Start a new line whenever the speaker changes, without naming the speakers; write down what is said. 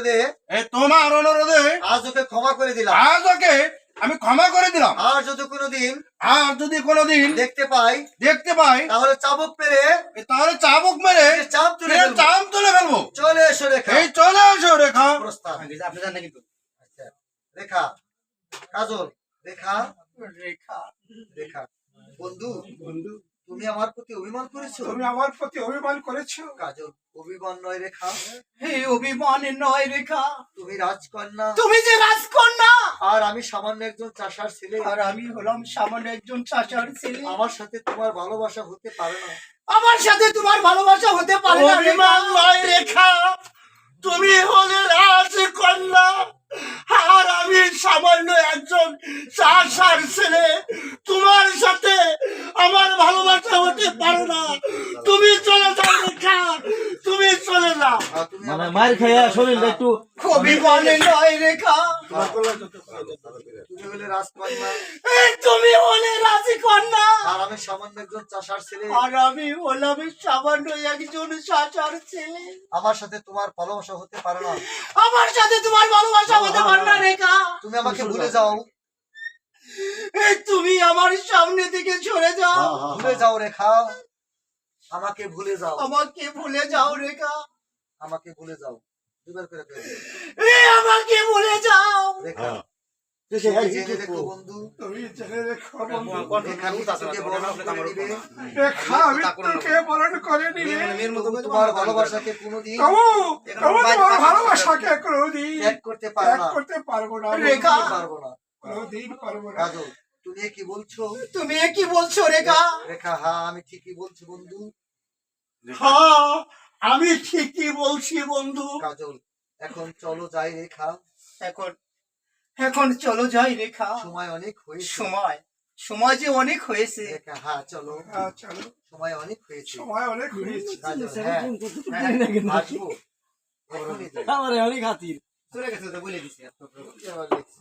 অনুরোধে
তোমার অনুরোধে
আজ ওকে ক্ষমা করে দিলাম।
আজ ওকে আমি ক্ষমা করে দিলাম।
আর যদি কোনোদিন দেখতে পাই তাহলে চাবুক মেরে চাপ তুলে ফেলবো। চলে এসো রেখা।
চলে এসো রেখা।
প্রস্তাব আপনি জানেন কিন্তু। আচ্ছা রেখা, কাজল, রেখা, রেখা বন্ধু, তুমি আমার প্রতি অভিমান করেছো। কাজল, অভিমান নয় রেখা,
অভিমান নয় রেখা,
তুমি রাজকন্যা,
তুমি যে রাজকন্যা,
আর আমি সামান্য একজন চাষার ছেলে।
আর আমি হলাম সামান্য একজন চাষার ছেলে।
আমার সাথে তোমার ভালোবাসা হতে পারে না।
আমার সাথে তোমার ভালোবাসা হতে পারে না।
অভিমান নয় রেখা, তুমি হলে রাজকন্যা আর আমি সামান্য একজন চাষার ছেলে। তোমার সাথে আমার ভালোবাসা হতে পারে না। তুমি চলে যাও রেখা, তুমি চলে যাও।
মানে
মার খাইয়া শরীরটা একটু
অভিমান নয় রেখা,
তুমি হলে রাজকন্যা,
তুমি হলে রাজকন্যা,
আর আমি সামান্য একজন চাষার ছেলে।
আর আমি হলাম সামান্য একজন চাষার ছেলে।
আমার সাথে তোমার ভালোবাসা হতে পারে না।
আমার সাথে তোমার ভালোবাসা হতে পারে না রেখা।
তুমি আমাকে ভুলে যাও।
তুমি আমার সামনে থেকে সরে যাও।
ভুলে যাও রেখা, আমাকে ভুলে যাও।
আমাকে ভুলে যাও রেখা,
আমাকে ভুলে যাও। দুবার করে কয়ে দিও।
আমাকে ভুলে যাও
রেখা, জেনে রেখো বন্ধু, রেখা মৃত্যুকে বরণ করে নিবে। তোমার ভালোবাসাকে কোনোদিন ত্যাগ করতে পারবো না।
রেখা,
পারবো না। কাজল, তুমি কি বলছো?
তুমি কি বলছো রেখা?
রেখা, হ্যাঁ আমি ঠিকই বলছি বন্ধু।
হ্যাঁ আমি ঠিকই বলছি বন্ধু।
কাজল, এখন চলো যাই রেখা।
এখন চলো যাই রেখা।
সময় অনেক হয়েছে।
সময় যে অনেক হয়েছে।
রেখা, হ্যাঁ চলো। সময় অনেক হয়েছে। কাজল, হ্যাঁ আসবো। এখনই যাই।
আমার অনেক হাতির
চলে গেছে তো বলে দিছি।